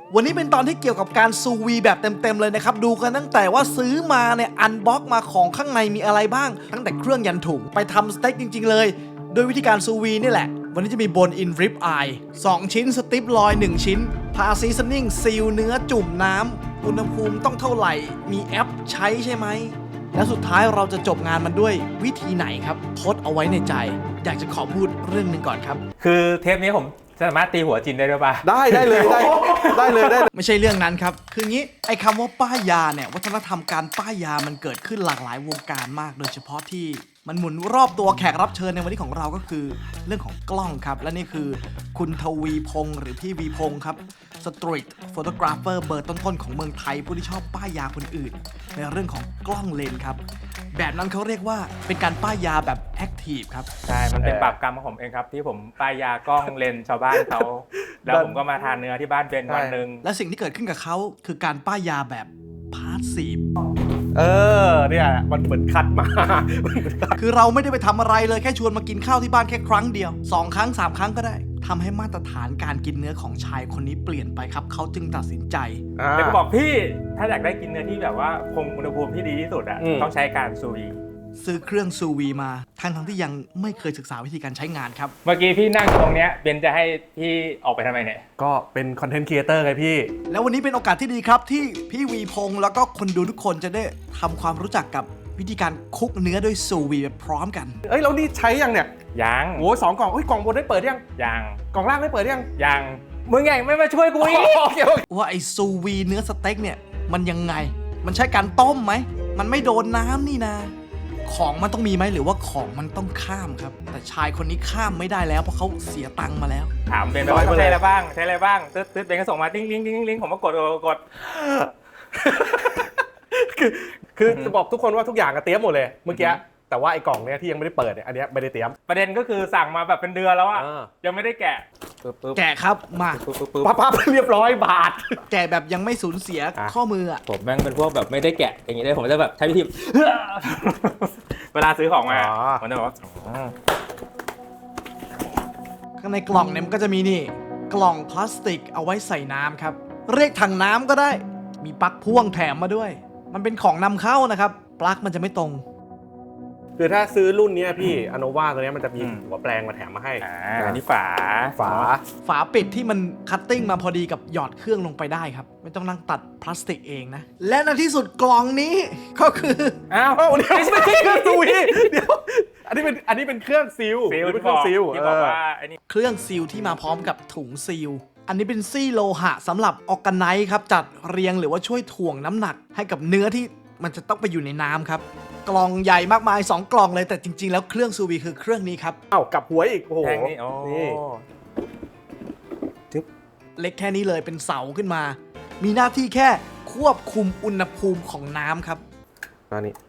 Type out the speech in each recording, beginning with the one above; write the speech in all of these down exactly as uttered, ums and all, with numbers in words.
วันนี้เป็นตอนที่เกี่ยวกับการซูวีแบบเต็มๆเลยนะครับดูกันตั้งแต่ว่าซื้อมาเนี่ยอันบ็อกมาของข้างในมีอะไรบ้างตั้งแต่เครื่องยันถุงไปทำสเต็กจริงๆเลยโดยวิธีการซูวีนี่แหละวันนี้จะมีโบนอินริปอายสองชิ้นสติปลอยหนึ่งชิ้นพาซีซันนิ่งซีลเนื้อจุ่มน้ำอุณหภูมิต้องเท่าไหร่มีแอปใช้ใช่ไหมและสุดท้ายเราจะจบงานมันด้วยวิธีไหนครับทดเอาไว้ในใจอยากจะขอพูดเรื่องหนึ่งก่อนครับคือเทปนี้ผมสามารถตีหัวจินได้ด้วยป่ะได้ได้เลยได้ได้เลยได้เลยไม่ใช่เรื่องนั้นครับคืองี้ไอ้คำว่าป้ายยาเนี่ยวัฒนธรรมการป้ายยามันเกิดขึ้นหลากหลายวงการมากโดยเฉพาะที่มันหมุนรอบตัวแขกรับเชิญในวันนี้ของเราก็คือเรื่องของกล้องครับและนี่คือคุณทวีพงษ์หรือพี่วีพงษ์ครับสตรีทโฟโตกราฟเฟอร์เบอร์ต้นๆของเมืองไทยผู้ที่ชอบป้ายยาคนอื่นในเรื่องของกล้องเลนส์ครับแบบนั้นเขาเรียกว่าเป็นการป้ายยาแบบแอคทีฟครับใช่ มันเป็นบาปกรรมของผมเองครับ ที่ผมป้ายยากล้องเลนชาวบ้านเขา แล้วผมก็มาทานเนื้อที่บ้านเป็นวันหนึ่งและสิ่งที่เกิดขึ้นกับเขาคือการป้ายยาแบบพาสซีฟเออเนี่ยมันเหมือนคัดมาคือเราไม่ได้ไปทำอะไรเลยแค่ชวนมากินข้าวที่บ้านแค่ครั้งเดียวสองครั้งสามครั้งก็ได้ทำให้มาตรฐานการกินเนื้อของชายคนนี้เปลี่ยนไปครับเขาจึงตัดสินใจแล้วก็บอกพี่ถ้าอยากได้กินเนื้อที่แบบว่าคงอุณหภูมิที่ดีที่สุดอ่ะต้องใช้การซูวีซื้อเครื่องซูวีมาทั้งทั้งที่ยังไม่เคยศึกษาวิธีการใช้งานครับเมื่อกี้พี่นั่งตรงเนี้ยเบนจะให้พี่ออกไปทำไมเนี่ยก็เป็นคอนเทนต์ครีเอเตอร์ไงพี่แล้ววันนี้เป็นโอกาสที่ดีครับที่พี่วีพงษ์แล้วก็คนดูทุกคนจะได้ทำความรู้จักกับวิธีการคุกเนื้อด้วยซูวีไปพร้อมกันเอ้ยแล้วนี่ใช้ยังเนี่ยยังโอ้สองกล่องเอ้ยกล่องบนได้เปิดยังยังกล่องล่างได้เปิดยังยังมึงไงไม่มาช่วยกูอีกโอเคโอเคว่าไอซูวีเนื้อสเต็กเนี่ยมันยังไงมันใช้การต้มไหมมันไม่โดนน้ำนี่นะของมันต้องมีไหมหรือว่าของมันต้องข้ามครับแต่ชายคนนี้ข้ามไม่ได้แล้วเพราะเขาเสียตังค์มาแล้วถามเบนไปว่าใช้อะไรบ้างใช้อะไรบ้างตึ๊ดตึ๊ดเบนก็ส่งมาติ้งติ้งติ้งติ้งผมก็กดกดกดคือคือจะบอกทุกคนว่าทุกอย่างก็เตรียมหมดเลยเมื่อกี้แต่ว่าไอ้กล่องเนี้ยที่ยังไม่ได้เปิดเนี่ยอันเนี้ยไม่ได้เตรียมประเด็นก็คือสั่งมาแบบเป็นเดือนแล้วอะอ่ายังไม่ได้แกะปึ๊บปึ๊บแกะครับมาปึ๊บปึ๊บปึ๊บปั๊บปั๊บเรียบร้อยบาทแกะแบบยังไม่สูญเสียอ่ะข้อมืออ่ะผมแม่งเป็นพวกแบบไม่ได้แกะอย่างนี้ได้ผมจะแบบใช้วิธี เวลาซื้อของมาผมจะบอกว่าอ๋อข้างในกล่องเนี่ยมันก็จะมีนี่กล่องพลาสติกเอาไว้ใส่น้ำครับเรียกถังน้ำก็ได้มีปลั๊กพ่วงแถมมาด้วย มันเป็นของนำเข้านะครับปลั๊กมันจะไม่ตรงคือถ้าซื้อรุ่นเนี้ยพี่อโนวาตัวเนี้ยมันจะมีหัวแปลงมาแถมมาให้อ่าอันนี้ฝาฝาฝาปิดที่มันคัตติ้งมาพอดีกับหยอดเครื่องลงไปได้ครับไม่ต้องนั่งตัดพลาสติกเองนะและในที่สุดกล่องนี้ก็คืออ้าวเอ้าเดี๋ยวไม่ใช่เครื่องซูวีเดี๋ยวอันนี้เป็นอันนี้เป็นเครื่องซิลซิลเป็นที่เคบรื่ออก งซิลที่บอกเออว่าไอ้นี่เครื่องซีลที่มาพร้อมกับถุงซีลอันนี้เป็นซี่โลหะสำหรับออร์แกไนซ์ครับจัดเรียงหรือว่าช่วยถ่วงน้ำหนักให้กับเนื้อที่มันจะต้องไปอยู่ในน้ำครับกล่องใหญ่มากมายสองกล่องเลยแต่จริงๆแล้วเครื่องซูวีคือเครื่องนี้ครับเอ้ากลับหัวอีกโอ้โหแทงนี่โอ้นี่เล็กแค่นี้เลยเป็นเสาขึ้นมา มีหน้าที่แค่ควบคุมอุณหภูมิของน้ำครับมานี่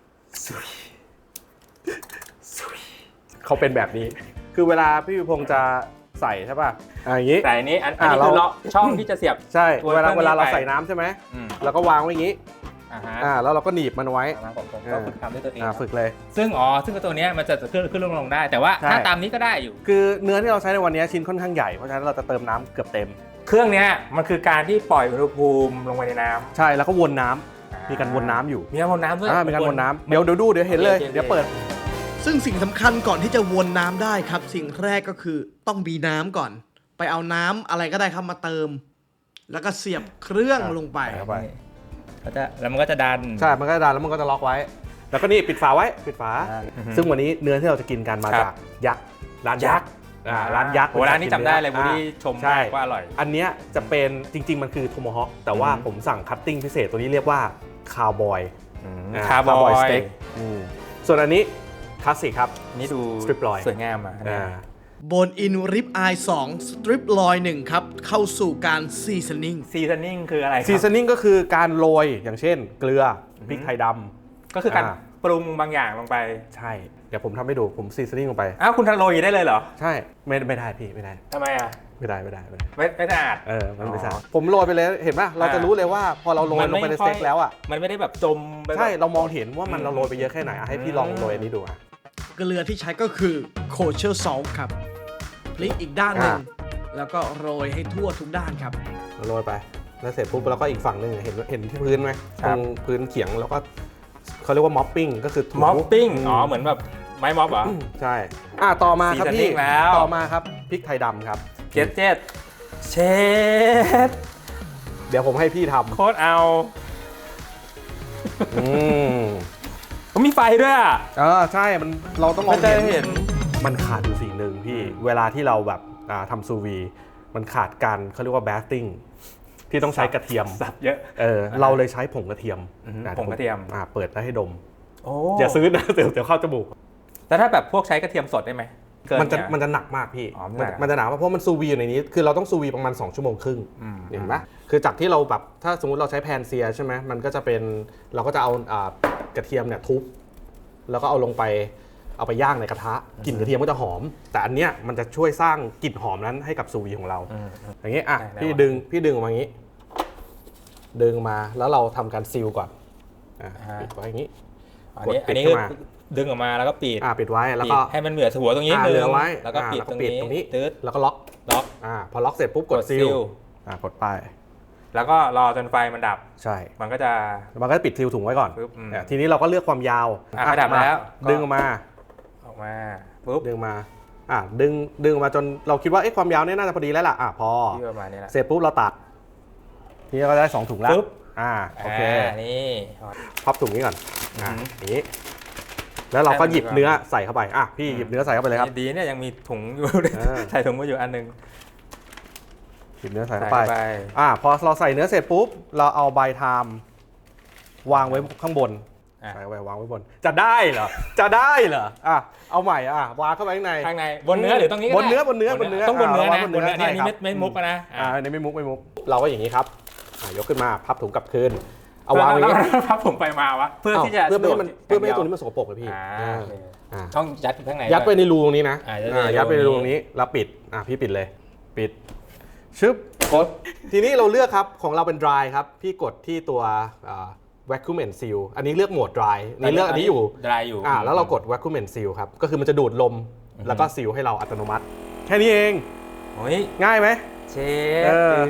เขาเป็นแบบนี้ คือเวลาพี่วิพงษ์จะใส่ใช่ป่ะอ่าอย่างนี้แต่อันนี้อันอันนี้อ่าคือเราเลาะช่องที่จะเสียบใช่ตัวเวลาเครื่องนี้เวลาเราไปใส่น้ำใช่ไหมอืมแล้วก็วางไว้อย่างนี้อ่าฮะอ่าแล้วเราก็หนีบมันไว้อ่าผมผมก็ฝึกทำด้วยตัวเองอ่าฝึกเลยซึ่งอ๋อซึ่งตัวเนี้ยมันจะขึ้นขึ้นลงลงได้ แต่ว่าใช่ถ้าตามนี้ก็ได้อยู่คือเนื้อที่เราใช้ในวันนี้ชิ้นค่อนข้างใหญ่เพราะฉะนั้นเราจะเติมน้ำเกือบเต็มเครื่องเนี้ยมันคือการที่ปล่อยอุณหภูมิลงไปในน้ำใช่แล้วก็วนน้ำมีการวนน้ำอยู่มีการวนน้ำด้วยอ่ามีการวนน้ำเดี๋ยวเดี๋ยวดูเดี๋ยวเห็นเลยโอเคโอเคเดี๋ยวเปิดซึ่งสิ่งสำคัญก่อนที่จะวนน้ำได้ครับ สิ่งแรกก็คือต้องมีน้ำก่อน ไปเอาน้ำอะไรก็ได้ครับมาเติม แล้วก็เสียบเครื่องลงไปเข้าไปก็จะแล้วมันก็จะดันใช่มันก็จะดันแล้วมันก็จะล็อกไว้ แล้วก็นี่ปิดฝาไว้ปิดฝาอ่าอือฮึซึ่งวันนี้เนื้อที่เราจะกินกันมาครับจากยักษ์ร้านยักษ์อ่าร้านยักษ์โอ้ร้านนี้จำได้เลยอ่าบูดี้ชมใช่มากว่าอร่อยอันเนี้ยจะเป็นจริง ๆ มันคือโทโมฮอคแต่ว่าอืมผมสั่งคัตติ้งพิเศษตัวนี้เรียกว่าคาวบอยคาร์บอยสเต็กส่วนอันนี้คลาสสิกครับนี่ดู Strip loin สวยงามอ่ะอ่าโบนอินริบอายสองสตริปลอยหนึ่งครับ เข้าสู่การซีซันนิ่งซีซันนิ่งคืออะไรครับซีซันนิ่งก็คือการโรยอย่างเช่น เกลือพริกไทยดก็คือการอ่าปรุงบางอย่างลงไปำใช่ เดี๋ยวผมทำให้ดูผมซีซันนิ่งลงไปอ้าวคุณทำโรยได้เลยเหรอใช่ไม่ไม่ได้พี่ไม่ได้ทำไมอ่ะไม่ได้ไม่ได้ไม่ได้ไม่ไม่สะอาดเออมันไม่ใช่อ๋อผมโรยไปเลยเห็นป่ะเราจะรู้เลยว่าพอเราโรยลงไปในสเต็กแล้วอ่ะมันไม่ได้แบบจมไปแบบใช่เรามองเห็นว่ามันเราโรยไปเยอะแค่ไหนอ่ะให้พี่ลองโรยอันนี้ดูอ่ะเกลือที่ใช้ก็คือโคเชอร์ซอลครับพลิกอีกด้านหนึ่งอ่าแล้วก็โรยให้ทั่วทุกด้านครับโรยไปแล้วเสร็จปุ๊บแล้วก็อีกฝั่งหนึ่งเห็นเห็นที่พื้นไหมตรงพื้นเขียงแล้วก็เขาเรียกว่าม็อปปิ้งก็คือถูม็อปปิ้งอ๋อเหมือนแบบไม้ม็อบเหรอใช่อ่ะต่อมาครับพี่ Seasoning แล้วต่อมาครับพริกไทยดำครับเจ็ดเจ็ดเชดเดี๋ยวผมให้พี่ทโคตรเอาำอืมผมมีไฟด้วยอ่ะเออใช่มันเราต้องมองไม่ได้เห็เห็นนมันขาดอยู่สิ่งหนึ่งพี่เวลาที่เราแบบอ่าทำซูวีมันขาดการเขาเรียกว่าแบสติ้งที่ต้องใช้กระเทียมสับเยอะเออเราเลยใช้ผงกระเทียมอือฮึอ่ผงกระเทียมอ่าเปิดแล้วให้ดมโอ้อย่าซื้อนะ เดี๋ยวเดี๋ยวเข้าจมูกแต่ถ้าแบบพวกใช้กระเทียมสดได้ไหมเกินมันจะเยมันจะหนักมากพี่อ๋อมันมันหนักมันจะหนักมากเพราะมันซูวีอยู่ในนี้ คือเราต้องซูวีประมาณสองชั่วโมงครึ่งอืมเห็นไหมคือจากที่เราแบบถ้าสมมติเราใช้แพนเซียใช่ไหมมันก็จะเป็นเราก็จะเอาอ่ากระเทียมเนี่ยทุบแล้วก็เอาลงไปเอาไปย่างในกระทะกลิ่นกระเทียมก็จะหอม แต่อันเนี้ยมันจะช่วยสร้างกลิ่นหอมนั้นให้กับซูวีของเราอืมอืมอย่างนี้อ่ะได้พี่ได้ดึงพี่ดึงออกมาอย่างนี้ ดึงมาแล้วเราทำการซีลก่อนอ่ะอ่าปิดไว้อย่างนี้อันนี้กดปิอัดนนี้ขึ้คือนมาดึงออกมาแล้วก็ปิดอ่ะปิดไว้แล้วก็ปิดให้มันเหลือหัวตรงนี้อ่านึเหลืงอไว้แล้วก็อ่าปิดแล้วตก็รงปิดนี้ตรงนี้ตืดแล้วก็ล็อกล็อกอ่าพอล็อกเสร็จปุ๊บกดกดซีซีลลอ่ากดไปแล้วก็รอจนไฟมันดับใช่มันก็จะมันก็จะปิดซีลถุงไว้ก่อนปึ๊บอืมอ่ะทีนี้เราก็เลือกความยาวอ่ะไฟดับมาแล้วก็ดึงออกมาออกมาปุ๊บดึงมาอ่ะดึงดึงออกมาจนเราคิดว่าเอ๊ะความยาวเนี่ยน่าจะพอดีแล้วล่ะอ่ะพอที่ประมาณนี้แหละเสร็จปุ๊บเราตัดทีนี้เราได้สองถุงแล้วปึ๊บอ่าโอเคานี่พับถุงนี้ก่อนอ่ะอือหืออย่างนี้แล้วเราก็ให้มันหยิบดีกว่าเนื้อใส่เข้าไปอ่ะพี่หยิบเนื้อใส่เข้าไปเลยครับดีเนี่ยยังมีถุงอยู่เออใส่ถุงมาอยู่อันหนึงหยิบเนื้อใส่ใส่เข้าไปเข้าไปอ่ะพอเราใส่เนื้อเสร็จปุ๊บเราเอาใบไทม์วางไว้ข้างบนอ่ะใส่ไว้วางไว้บน จะได้เหรอ จะได้เหรอ อ่ะ เอาใหม่อ่ะ วางเข้าไปข้างในข้างในบนเนื้อหรือตรงนี้ก็บนเนื้อได้บนเนื้อบนเนื้อต้องบนเนื้ออ่านะวางบบ นนเนื้เนื้อออันนี้ใช่ไม่ครับไม่มุกอะนะอ่าอันนี้ไม่มุกไม่มุก เราก็อย่างนี้ครับอ่ะยกขึ้นมาพับถุงกลับคืน เอาวางไว้อย่างนี้แล้วพับผมไปมาวะเพื่อที่จะเพื่อไม่ให้มันสะดวกเพื่อไม่ให้ย่างตัวดียนี้มันสกปรกเลยพี่อ่าอ่าโอเคอ่าต้องยัดข้างในยัดไปด้วยในรูตรงนี้นะอ่าอ่ายัยัดดไปไปในในรูรูตรงนี้แล้วปิดอ่ะพี่ปิดเลย ปิด ชึบกดทีนี้เราเลือกครับของเราเป็น dry ครับพี่กดที่ตัวอ่า vacuum and seal อันนี้เลือกโหมด dry นี่เลือกอันนี้อยู่ดรายอยู่อ่าแล้วเรากด vacuum and seal ครับ ก็คือมันจะดูดลมอือฮึแล้วก็ซีลให้เราอัตโนมัติ แค่นี้เองโอ้ยง่ายไหมเชเอฟอ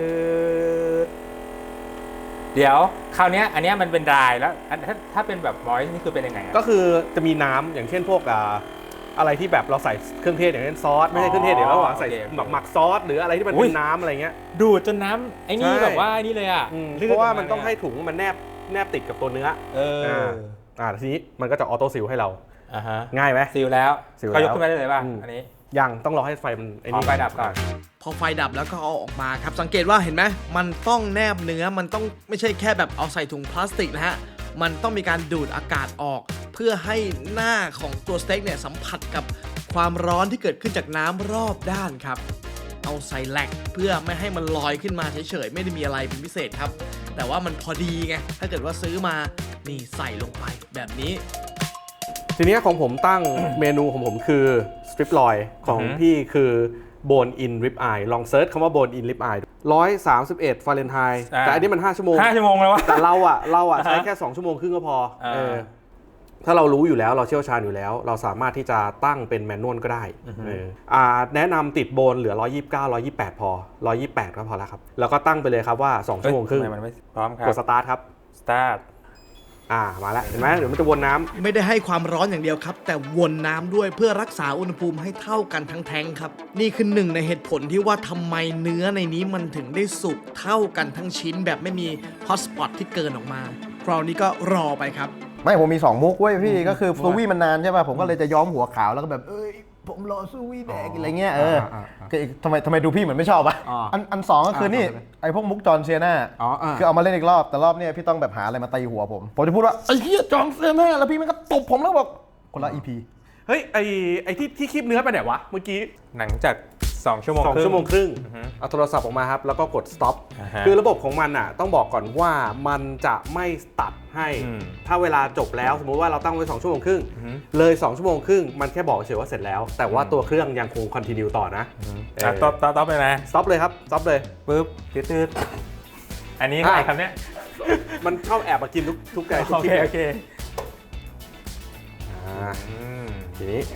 เดี๋ยวคราวเนี้ยอันเนี้ยมันเป็นดรายแล้วอันถ้าถ้าเป็นแบบมอยนี่คือเป็นยังไงอะก็คือจะมีน้ำอย่างเช่นพวกอ่าอะไรที่แบบเราใส่เครื่องเทศอย่างเช่นซอส ไม่ใช่เครื่องเทศเดี๋ยวเราใส่โอเคโอเคหมักหมักซอส หรืออะไรที่มันอุ๊เป็ยนน้ำอะไรเงี้ยดูดจนน้ำไอ้นี่ใช่แบบว่าไอ้นี่เลยอ่ะอืมลื่เพราะว่ามันกต้องให้เยถุงมันแนบแนบติดกับตัวเนื้อเอออ่า อ่าทีนี้มันก็จะออโต้ซีลให้เราอ่าฮะง่ายไหมซีลแล้วซีลเขายกแล้วขึ้นมาได้เลยป่ะอืมอันนี้ยังต้องรอให้ไฟมันไอ้ขอนี่ไฟดับก่อนพอไฟดับแล้วก็เอาออกมาครับสังเกตว่าเห็นไหมมันต้องแนบเนื้อมันต้องไม่ใช่แค่แบบเอาใส่ถุงพลาสติกนะฮะมันต้องมีการดูดอากาศออก เพื่อให้หน้าของตัวสเต็กเนี่ยสัมผัสกับความร้อนที่เกิดขึ้นจากน้ำรอบด้านครับ เอาใส่แหลกเพื่อไม่ให้มันลอยขึ้นมาเฉยๆไม่ได้มีอะไรเป็นพิเศษครับ แต่ว่ามันพอดีไงถ้าเกิดว่าซื้อมานี่ใส่ลงไปแบบนี้ทีนี้ของผมตั้ง เมนูของผมคือสตริปลอยของอือฮึพี่คือโบนอินริบอายลองเซิร์ชคำว่าโบนอินริบอายร้อยสามสิบเอ็ดฟาเรนไฮต์อ่าแต่อันนี้มันห้าชั่วโมงห้าชั่วโมงแล้ววะแต่เราอ่ะเราอ่ะอ่าฮะใช้แค่สองชั่วโมงครึ่งก็พออ่าเออถ้าเรารู้อยู่แล้วเราเชี่ยวชาญอยู่แล้ว เราสามารถที่จะตั้งเป็นแมนนวลก็ได้เอออ่าแนะนำติดโบนเหลือหนึ่งร้อยยี่สิบเก้า หนึ่งร้อยยี่สิบแปดพอหนึ่งร้อยยี่สิบแปดก็พอแล้วครับแล้วก็ตั้งไปเลยครับว่าสองชั่วโมงครึ่งทำไมมันไม่พร้อมครับกดสตาร์ทครับสตาร์ทอ่ามาแล้วเห็นไหมเดี๋ยวมันจะวนน้ำไม่ได้ให้ความร้อนอย่างเดียวครับ แต่วนน้ำด้วยเพื่อรักษาอุณหภูมิให้เท่ากันทั้งแท้งครับ นี่คือหนึ่งในเหตุผลที่ว่าทำไมเนื้อในนี้มันถึงได้สุกเท่ากันทั้งชิ้นแบบไม่มีฮอตสปอตที่เกินออกมาคราวนี้ก็รอไปครับไม่ผมมีสองมุกเว้ยพี่ก็คือซูวี่มันนานใช่ป่ะผมก็เลยจะย้อมหัวขาวแล้วก็แบบเอ้ยผมรอซูวี่แดกอะไรเงี้ยเอออาอ่าก็อีกทำไมทำไมดูพี่เหมือนไม่ชอบอ่ะอ่าอันอันสองก็คือนี่อ่าไอ้พวกมุกจอห์นเซียนาอ๋ออ่าคือเอามาเล่นอีกรอบแต่รอบเนี้ยพี่ต้องแบบหาอะไรมาตีหัวผมผมจะพูดว่าไอ้เหี้ยจอห์นเซียนาแล้วพี่มันก็ตบผมแล้วบอกคนละอีพีเฮ้ยไอไอที่ที่คลิปเนื้อไปไหนวะเมื่อกี้หลังจากสองชั่วโมงสองครึ่งชั่วโมงครึ่งอือฮึเอาโทรศัพท์ออกมาครับแล้วก็กด stop อ่าฮะคือระบบของมันอ่ะต้องบอกก่อนว่ามันจะไม่ตัดให้อืมถ้าเวลาจบแล้วสมมุติว่าเราตั้งไว้สองชั่วโมงครึ่งอือฮึเลยสองชั่วโมงครึ่งมันแค่บอกเฉยว่าเสร็จแล้ว แต่ว่าตัวเครื่องยังคง continue ต่อนะเอออ่ะต๊อปต๊อปต๊อปเลยนะ stop เลยครับ stop เลยปึ๊บตืดๆอันนี้ใครอ่ะครับเนี่ยมันชอบแอบมากินทุกทุกไก่ทุกโอคลิเคปโอเคอ่าอืมทีนี้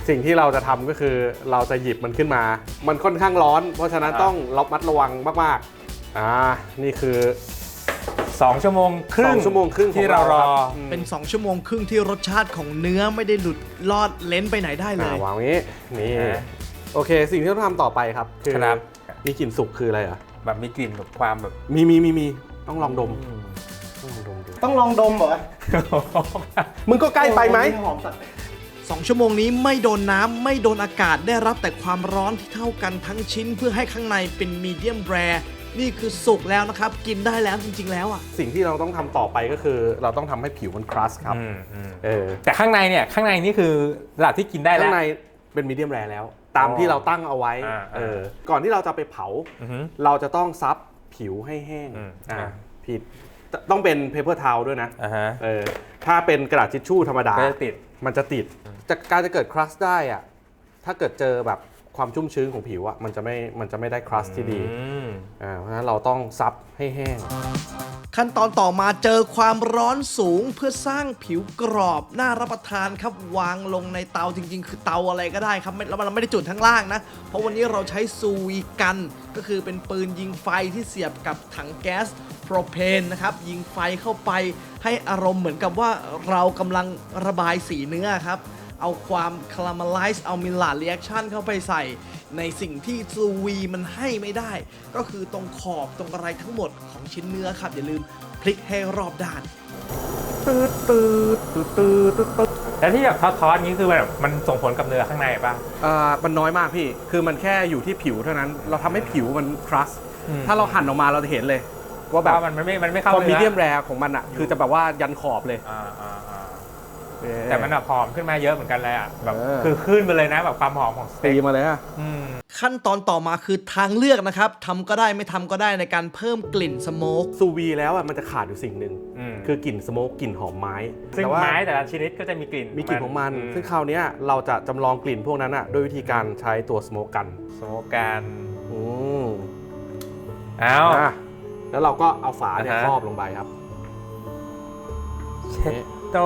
สิ่งที่เราจะทำก็คือเราจะหยิบมันขึ้นมา มันค่อนข้างร้อน เพราะฉะนั้นต้องระมัดระวังมากๆอ่านี่คือสองชั่วโมงครึ่งสองชั่วโมงครึ่งที่เรารอมเป็น สอง ชั่วโมงครึ่งที่รสชาติของเนื้อไม่ได้หลุดลอดเลนไปไหนได้เลอ่าย วางไว้นี้นี่อ่าโอเค สิ่งที่ต้องทำต่อไปครับคือครับมีกลิ่นสุกคืออะไรอ่ะแบบมีกลิ่นแบบความแบบมีมีมีมีต้องลองดมต้องลองดมดูต้องลองดมเหรอมึงก็ใกล้ไปไหมหอมสัตว์สอง ชั่วโมงนี้ไม่โดนน้ำไม่โดนอากาศได้รับแต่ความร้อนที่เท่ากันทั้งชิ้นเพื่อให้ข้างในเป็นมีเดียมแรร์นี่คือสุกแล้วนะครับ กินได้แล้วจริงๆแล้วอ่ะสิ่งที่เราต้องทำต่อไปก็คือ เราต้องทำให้ผิวมันครัสครับอืมอืมเออแต่ข้างในเนี่ยข้างในนี่คือระดับที่กินได้แล้ข้าว งในเป็นมีเดียมแรร์แล้ว ตามที่เราตั้งเอาไว้อ่าเออก่อนที่เราจะไปเผาอือหือเราจะต้องซับผิวให้แห้งอืมอ่าอ่าผิดต้องเป็นเพเปอร์ทาวด้วยนะอ่าฮะเออถ้าเป็นกระดาษทิชชู่ธรรมดาก็จะติดมันจะติดจากการจะเกิดครัสได้อะถ้าเกิดเจอแบบความชุ่มชื้นของผิวอะมันจะไม่มันจะไม่ได้ครัสที่ดีอืมอ่าเพราะฉะนั้นเราต้องซับให้แห้งขั้นตอนต่อมาเจอความร้อนสูงเพื่อสร้างผิวกรอบน่ารับประทานครับวางลงในเตาจริงๆ คือเตาอะไรก็ได้ครับไม่แล้วมันไม่ได้จุดทั้งล่างนะ เพราะวันนี้เราใช้ซูวีกันก็คือเป็นปืนยิงไฟที่เสียบกับถังแก๊สโปรเพนนะครับยิงไฟเข้าไปให้อารมณ์เหมือนกับว่าเรากำลังระบายสีเนื้อครับ เอาความคาราเมลไลซ์เอามิลลาร์เรีแอคชั่นเข้าไปใส่ในสิ่งที่ซูวีมันให้ไม่ได้ ก็คือตรงขอบตรงอะไรทั้งหมดของชิ้นเนื้อครับ อย่าลืมพลิกให้รอบด้านตืดตืดตืดตืดตืดตืดแล้วที่แบบทอดๆนี้คือแบบมันส่งผลกับเนื้อข้างในป่ะอ่ามันน้อยมากพี่ คือมันแค่อยู่ที่ผิวเท่านั้น เราทำให้ผิวมันครัสอืมถ้าเราหั่นออกมาเราจะเห็นเลย ว่าแบบว่ามันไม่มันไม่เข้าความมีเนื้อเดียมแรร์ของมันอะคือจะแบบว่ายันขอบเลยอ่าอ่าอ่าเออแต่มันแบบหอมขึ้นมาเยอะเหมือนกันเลยอ่ะแบบเออคือขึ้นไปเลยนะแบบความหอมของสตีเต็กมาเลยอะอืมขั้นตอนต่อมาคือทางเลือกนะครับทำก็ได้ไม่ทำก็ได้ในการเพิ่มกลิ่นสโมกซูวีแล้วอะมันจะขาดอยู่สิ่งหนึ่งอืมคือกลิ่นสโมกกลิ่นหอมไม้ซึ่งแต่ว่าไม้แต่ละชนิดก็จะมีกลิ่นมีกลิ่นของมันมซึ่งคราวเนี้ยเราจะจำลองกลิ่นพวกนั้นอะด้วยวิธีการใช้ตัวสโมกกันสโมกการอืมอ้าวอ่ะแล้วเราก็เอาฝาเนี่ยอ่าฮะครอบลงไปครับเช็ดโต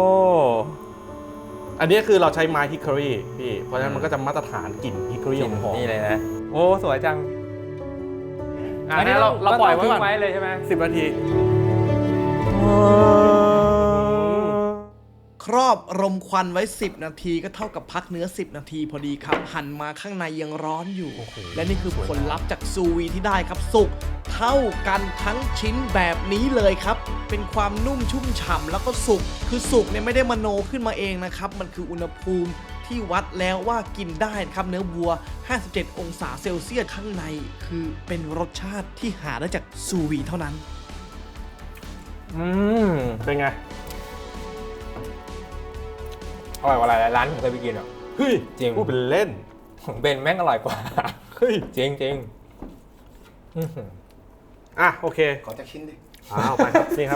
อันนี้คือเราใช้ไม้ฮิคอรี่พี่ เพราะฉะนั้นมันก็จะมาตรฐานกลิ่นฮิคอรี่กลิ่นหอมนี่เลยนะ โอ้สวยจังอ่ะงั้นเราเราปล่อยไว้ก่อนไว้เลยใช่ไหมสิบนาทีครอบรมควันไว้ สิบ นาทีก็เท่ากับพักเนื้อ สิบ นาทีพอดีครับ หั่นมาข้างในยังร้อนอยู่ และนี่คือผลลัพธ์จากซูวีที่ได้ครับสุกเท่ากันทั้งชิ้นแบบนี้เลยครับ เป็นความนุ่มชุ่มฉ่ำแล้วก็สุกคือสุกเนี่ยไม่ได้มโนขึ้นมาเองนะครับ มันคืออุณหภูมิที่วัดแล้วว่ากินได้นะครับเนื้อวัว ห้าสิบเจ็ด องศาเซลเซียสข้างใน คือเป็นรสชาติที่หาได้จากซูวีเท่านั้นอืมเป็นไงอร่อยกว่าหลายๆร้านที่ผมเคยไปกินอ่ะเฮ้ยจริงพูดเป็นเล่นของเบนแม่งอร่อยกว่าเฮ้ยจริงจริงอื้อหืออ่ะ โอเคขอจากชิ้นดิอ้าวไปครับ นี่ครับ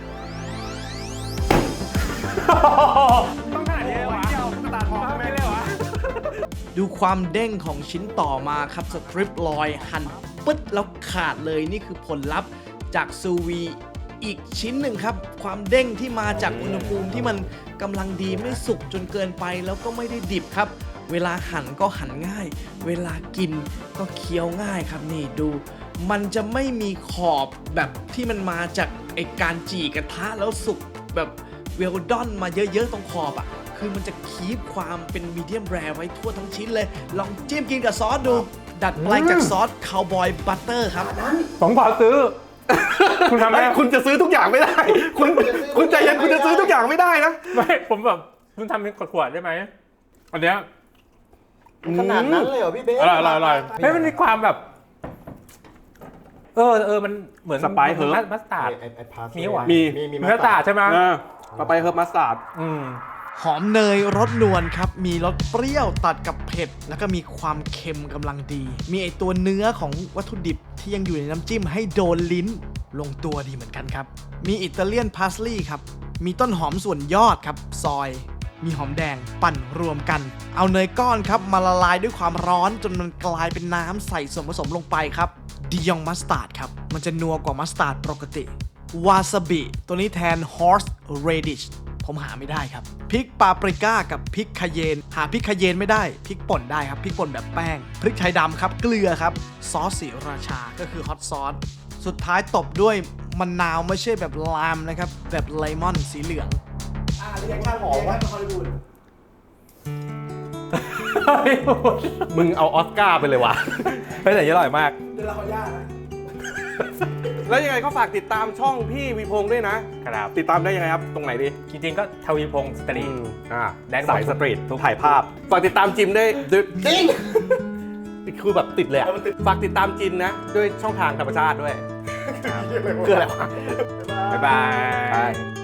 ต้องขนาดนี้เลยวะตัดหอมไม่เลยวะดูความเด้งของชิ้นต่อมาครับสตริปลอยหั่นปึ๊ดแล้วขาดเลยนี่คือผลลัพธ์จากซูวีอีกชิ้นหนึ่งครับ ความเด้งที่มาจากอุณหภูมิที่มันกำลังดีไม่สุกจนเกินไปแล้วก็ไม่ได้ดิบครับ เวลาหั่นก็หั่นง่าย เวลากินก็เคี้ยวง่ายครับนี่ดู มันจะไม่มีขอบแบบที่มันมาจากไอการจี่กระทะแล้วสุกแบบเวลดอนมาเยอะๆตรงขอบอ่ะ คือมันจะคีปความเป็นมีเดียมแรร์ไว้ทั่วทั้งชิ้นเลย ลองจิ้มกินกับซอสดู ดัดแปลงจากซอสคาวบอยบัตเตอร์ครับผมขอซื้อ คุณทำได้ไม่คุณจะซื้อทุกอย่างไม่ได้ คุณคุณใจเย็นคุณจะซื้อทุกอย่างไม่ได้นะไม่ผมแบบคุณทำเป็นขวดๆได้ไหมอันเนี้ยขนาดนั้นเลยเหรอพี่เบสอร่อยอร่อยอร่อยเฮ้ยมันมีความแบบ เออเออมันเหมือนสไปซ์เฮิร์บมัสตาร์ดไอ้ไอ้พาสมีหวานมีมีมีมีมัสตาร์ดใช่ไหมเออต่อไปเฮิร์บมัสตาร์ดอืมหอมเนยรสนวลครับ มีรสเปรี้ยวตัดกับเผ็ด แล้วก็มีความเค็มกำลังดี มีไอตัวเนื้อของวัตถุดิบที่ยังอยู่ในน้ำจิ้มให้โดนลิ้นลงตัวดีเหมือนกันครับ มีอิตาเลียนพาสลีย์ครับ มีต้นหอมส่วนยอดครับ ซอย มีหอมแดงปั่นรวมกัน เอาเนยก้อนครับมาละลายด้วยความร้อนจนมันกลายเป็นน้ำใส่ส่วนผสมลงไปครับดิยองมัสตาร์ดครับ มันจะนัวกว่ามัสตาร์ดปกติ วาซาบิตัวนี้แทน horse radish ผมหาไม่ได้ครับพริกปาปริก้ากับพริกคาเยนหาพริกคาเยนไม่ได้พริกป่นได้ครับพริกป่นแบบแป้งพริกไทยดำครับเกลือครับซอสสีราชาก็คือฮอตซอสสุดท้ายตบด้วยมะนาวไม่ใช่แบบลามนะครับแบบเลมอนสีเหลืองอ่าเรียกข้าวหอมว่าฮอลลีวูดมึงเอาออสการ์ไปเลยวะเฮ้ยแต่อร่อยมากเดี๋ยวเราขออนุญาตนะแล้วยังไงก็ฝากติดตามช่องพี่วีพงษ์ด้วยนะครับติดตามได้ยังไงครับ ตรงไหนดีจริงๆก็ทวีพงศ์สตรีทอ่าได้หมดสายสตรีททุกถ่ายภาพ ฝากติดตามจิมได้ด้วยคือแบบติดเลยอะฝากติดตามจินนะ ด้วยช่องทางธรรมชาติด้วย คืออะไรวะบ๊ายบายใช่